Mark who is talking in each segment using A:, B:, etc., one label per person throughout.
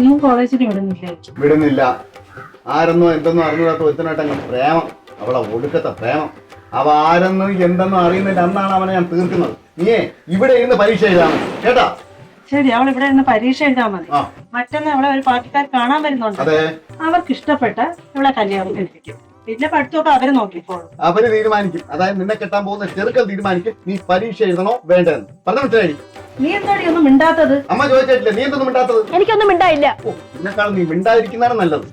A: നിങ്ങൾ കോളേജിൽ വിടുന്നില്ലേ?
B: വിടുന്നില്ല. ആരെന്നോ എന്തെന്നോ അറിഞ്ഞൂടാത്ത ഒരുത്തനായിട്ടങ്ങ് പ്രേമം, അവളെ ഒടുക്കത്തെ പ്രേമം. അവ ആരെന്നോ എന്തെന്നോ അറിയുന്നതിന്റെ അന്നാണ് അവനെ ഞാൻ തീർക്കുന്നത്. നീയേ ഇവിടെ ഇരുന്ന് പരീക്ഷ എഴുതാണ് കേട്ടാ?
A: ശരി, അവൾ ഇവിടെ ഇരുന്ന് പരീക്ഷ എഴുതാൻ മതി. മറ്റൊന്ന് അവളെ ഒരു പാർട്ടിക്കാർ കാണാൻ വരുന്നുണ്ട്. അവർക്ക് ഇഷ്ടപ്പെട്ട ഇവളെ കല്യാണം കഴിപ്പിക്കും. പിന്നെ പഠിത്തമൊക്കെ അവര് നോക്കിക്കോളും.
B: അവര് തീരുമാനിക്കും. അതായത് നിന്നെ കെട്ടാൻ പോകുന്ന ചെറുക്കൽ തീരുമാനിക്കും നീ പരീക്ഷ എഴുതണോ വേണ്ടെന്ന്. പറഞ്ഞു മനസ്സിലായി?
A: നീ എന്താടി ഒന്നും മിണ്ടാത്തത്?
B: അമ്മ ചോദിച്ചിട്ടില്ല, നീ എന്തൊന്നും മിണ്ടാത്തത്?
C: എനിക്കൊന്നും മിണ്ടായില്ല.
B: എന്നെക്കാളും നീ മിണ്ടാതിരിക്കുന്നതാണ് നല്ലത്.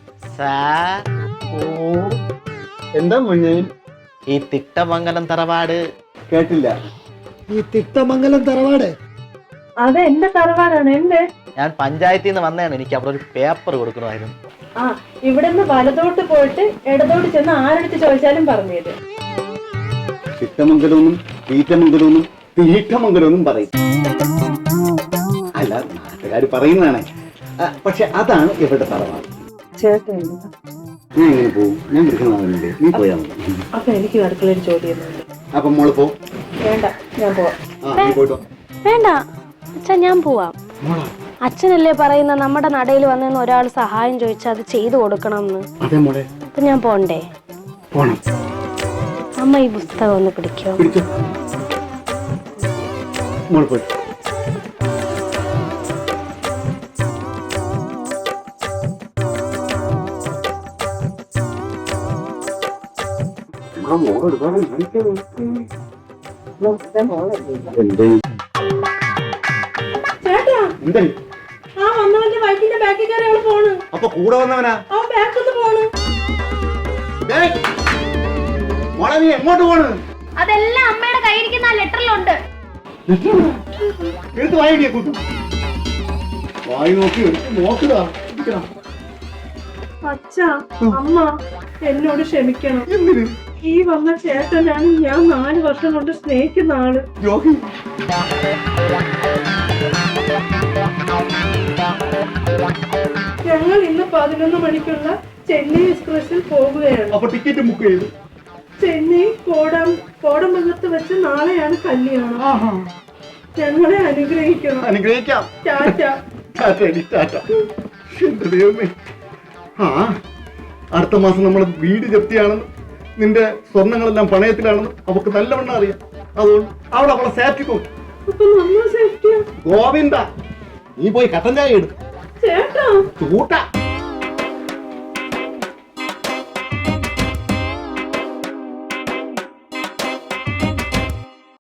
B: എന്താ മുന്നേ
D: ഈ തിട്ടമംഗലം തറവാട്
B: കേട്ടില്ല? ഈ തിട്ടമംഗലം തറവാട്
A: അത് എന്റെ തറവാടാണ്. എന്റെ
D: ഞാൻ പഞ്ചായത്തിൽ നിന്ന് വന്നതാണ്. എനിക്ക് അവിടെ ഒരു പേപ്പർ കൊടുക്കണമായിരുന്നു.
A: ആ, ഇവിടുന്ന് വലതോട്ട് പോയിട്ട് ഇടതോട്ട് ചെന്ന് ആരെടുത്ത് ചോദിച്ചാലും പറഞ്ഞു തരും.
B: ചിത്തമംഗലമെന്നും തീറ്റമംഗലമെന്നും തീറ്റമംഗലമെന്നും പറയും. അല്ല, നാട്ടുകാർ പറയുന്നതാണ്. പക്ഷെ അതാണ് ഇവരുടെ തറവാട്.
A: ചേട്ടൻ
B: ഞാൻ എങ്ങനെ പോവും? ഞാൻ വിളിക്കണമാവില്ലേ? നീ പോയാ മതി.
A: അപ്പൊ എനിക്ക് അടുക്കളയിൽ ജോലി ചെയ്യുന്നുണ്ട്.
B: അപ്പൊ മോള് പോ.
A: വേണ്ട, ഞാൻ പോവാം.
B: നീ പോയിട്ടോ.
C: വേണ്ട അച്ഛാ, ഞാൻ പോവാം. അച്ഛനല്ലേ പറയുന്ന നമ്മുടെ നടയിൽ വന്നെന്ന് ഒരാൾ സഹായം ചോദിച്ചാൽ അത് ചെയ്തു കൊടുക്കണം എന്ന്.
B: അതെ മോളെ.
C: അപ്പൊ ഞാൻ പോണ്ടേ?
B: പോണം.
C: അമ്മ ഈ പുസ്തകം ഒന്ന് പിടിക്കോ?
B: മോള് പോയി. അപ്പൊ കൂടെ വന്നവനാ? മോളെ നീ എങ്ങോട്ട് പോണ്?
C: അതെല്ലാം അമ്മയുടെ കയ്യിരിക്കുന്ന ലെറ്ററിലുണ്ട്.
B: എടുത്ത് വായിടിയ കൂട്ടും. വായി നോക്കി നോക്കുക.
A: അച്ഛാ, അമ്മ എന്നോട് ക്ഷമിക്കണം.
B: എന്തിന്?
A: ഈ വന്ന ചേട്ടനാണ് ഞാൻ 4 വർഷം കൊണ്ട് സ്നേഹിക്കുന്ന ആള്. ഞങ്ങൾ ഇന്ന് 11 മണിക്കുള്ള ചെന്നൈ എക്സ്പ്രസിൽ പോകുകയാണ്.
B: അപ്പൊ ടിക്കറ്റ് ബുക്ക് ചെയ്തു.
A: ചെന്നൈ കോടമംഗലത്ത് വെച്ച് നാളെയാണ് കല്യാണം. ഞങ്ങളെ അനുഗ്രഹിക്കണം.
B: അനുഗ്രഹിക്കാം.
A: ടാറ്റ.
B: എന്റെ ദൈവമേ. അടുത്ത മാസം നമ്മുടെ വീട് ജപ്തിയാണെന്ന്, നിന്റെ സ്വർണങ്ങളെല്ലാം പണയത്തിലാണെന്ന് അവക്ക് നല്ലവണ്ണം അറിയാം. അതുകൊണ്ട് അവിടെ അവളെ സേഫ്റ്റി നോക്കും. ഗോവിന്ദ, നീ പോയി കട്ടൻ ചായ എടു.
A: ചേട്ടാ,
B: ചൂട്ട